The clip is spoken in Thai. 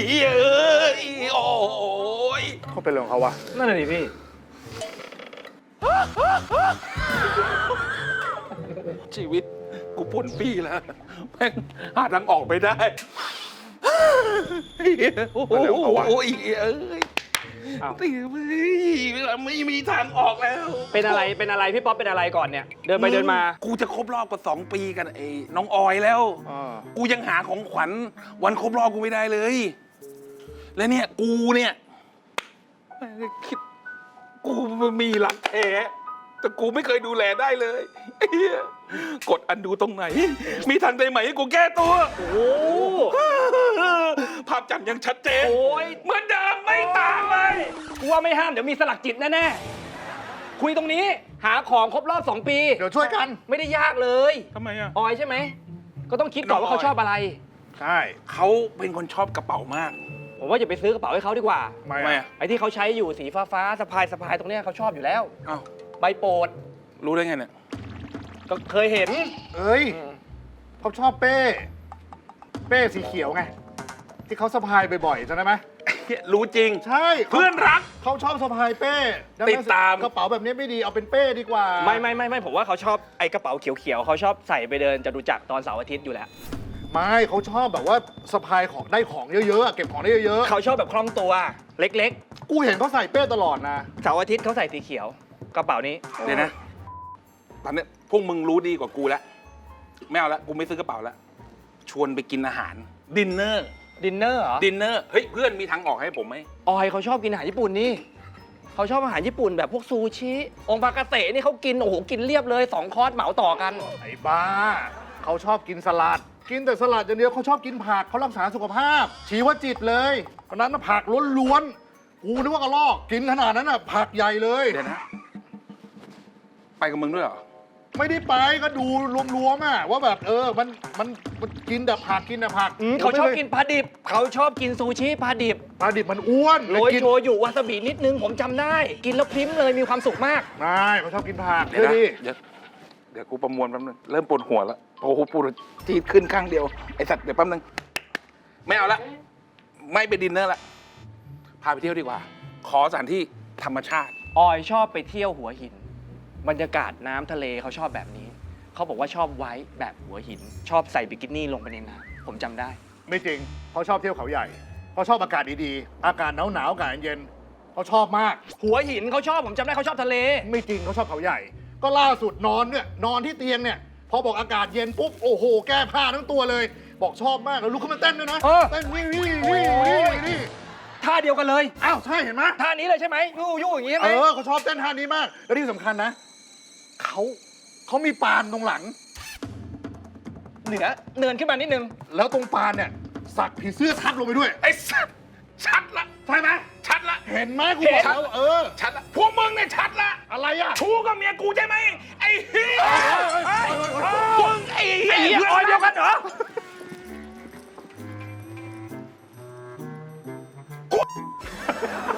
เอ้ยโอ้ยเขาเป็นเรื่องของเขาวะนั่นน่ะดิพี่ชีวิตกูป่นปี้แล้วแม่งหาทางออกไม่ได้โอ้โหเอ้ยอ้าวตีไม่มีทางออกแล้วเป็นอะไรพี่ป๊อปเป็นอะไรก่อนเนี่ย เดินไปเดินมากูจะครบรอบกับ2 ปีกันไอ้น้องออยแล้ว กูยังหาของขวัญวันครบรอบกูไม่ได้เลย และเนี่ยกูเนี่ยคิดกูมีหลักแท้แต่กูไม่เคยดูแลได้เลยไอ้เหี้ยกดอันดูตรงไหน มีทางใดไหมให้กูแก้ตัวโอ้ภาพจำยังชัดเจนโอ้ยเหมือนเดิมไม่ต่างเลยกูว่าไม่ห้ามเดี๋ยวมีสลักจิตแน่ๆ คุยตรงนี้หาของครบรอบ2 ปีเดี๋ยวช่วยกันไม่ได้ยากเลยทำไมอ่ะออยใช่ไหม ก็ต้องคิดก่อนว่าเขาชอบอะไรใช่เขาเป็นคนชอบกระเป๋ามากผมว่าอย่าไปซื้อกระเป๋าให้เขาดีกว่าทำไมทำไมอ่ะอ่ะไอ้ที่เขาใช้อยู่สีฟ้าๆสะพายตรงเนี้ยเขาชอบอยู่แล้วอ้าวใบโปรดรู้ได้ไงเนี่ยก็เคยเห็นเอ้ยเขาชอบเป้สีเขียวไง ที่เขาสะพายบ่อยๆใช่ไหมรู้จริงใช่เพื่อนรักเขาชอบสะพายเป้ดังตินั้ดนตามกระเป๋าแบบนี้ไม่ดีเอาเป็นเป้ดีกว่าไม่ผมว่าเขาชอบไอ้กระเป๋าเขียวๆเขาชอบใส่ไปเดินจตุจักรตอนเสาร์อาทิตย์อยู่แล้วไม่เขาชอบแบบว่าสะพายของได้ของเยอะๆอะเก็บของได้เยอะเขาชอบแบบคล่องตัวเล็กๆกูเห็นเขาใส่เป้ตลอดนะๆเสาร์อาทิตย์เขาใส่สีเขียว กระเป๋านี้เดี๋ยวนะ ตอนนี้พวกมึงรู้ดีกว่ากูแล้ว ไม่เอาละ กูไม่ซื้อกระเป๋าแล้ว ชวนไปกินอาหาร ดินเนอร์ดินเนอร์เหรอดินเนอร์ เฮ้ย เพื่อนมีทางออกให้ผมไหมออยเขาชอบกินอาหารญี่ปุ่นนี่เขาชอบอาหารญี่ปุ่นแบบพวกซูชิองค์ปากาเสะนี่เขากินโอ้โหกินเรียบเลย2 คอร์สเหมาต่อกันไอ้บ้าเขาชอบกินสลัด กินแต่สลัดอย่างเดียวเขาชอบกินผักเขารักษาสุขภาพ ชีวจิตเลยวันนั้นน่ะผักล้วนๆกูนึกว่ากระลอกกินขนาดนั้นน่ะผักใหญ่เลยเดี๋ยวนะ ไปกับมึงด้วยเหรอไม่ได้ไปก็ดูรวมๆอ่ะว่าแบบมันกินแต่ผักกินแต่ผักเขาชอบกินปลาดิบเขาชอบกินซูชิปลาดิบปลาดิบมันอ้วนโรยกินโชยุวาซาบินิดนึงผมจำได้ กินแล้วพริ้มเลยมีความสุขมากไม่เขาชอบกินผักเดี๋ยวนะดิเดี๋ยวกูประมวลแป๊บนึง เริ่มปวดหัวแล้ว โอ้โหปวดจีดขึ้นข้างเดียว ไอสัตว์เดี๋ยวแป๊บนึง ไม่เอาละ ไม่ไปดินเนอร์ละ พาไปเที่ยวดีกว่า ขอสถานที่ธรรมชาติออยชอบไปเที่ยวหัวหิน บรรยากาศน้ำทะเลเขาชอบแบบนี้ เขาบอกว่าชอบไว้แบบหัวหิน ชอบใส่บิกินี่ลงไปในน้ำผมจำได้ไม่จริงเขาชอบเที่ยวเขาใหญ่เขาชอบอากาศดีๆอากาศหนาวๆอากาศเย็นเขาชอบมากหัวหินเขาชอบผมจำได้เขาชอบทะเลไม่จริงเขาชอบเขาใหญ่ ก็ล่าสุดนอนเนี่ยนอนที่เตียงเนี่ยพอบอกอากาศเย็นปุ๊บโอ้โหแก้ผ้าทั้งตัวเลย บอกชอบมากแล้วลุกขึ้นมาเต้นด้วยนะเออเต้นนี่ท่าเดียวกันเลยอ้าวใช่เห็นไหมท่านี้เลยใช่ไหมยู่อย่างนี้ใช่ไหมเขาชอบเต้นท่านี้มากแล้วที่สำคัญนะเขามีปานตรงหลังเหนือเนินขึ้นมานิดนึงแล้วตรงปานเนี่ยสักผีเสื้อทับลงไปด้วยไอสัตว์ชัดละใช่ไหมชัดละเห็นไหมกูบอกแล้วชัดละ พวกมึงเนี่ยชัดละอะไรอ่ะชู้กับเมียกูใช่ไหมไอ้เหี้ยเฮ้ยมึงไอ้เหี้ยออยเดียวกันเหรอไ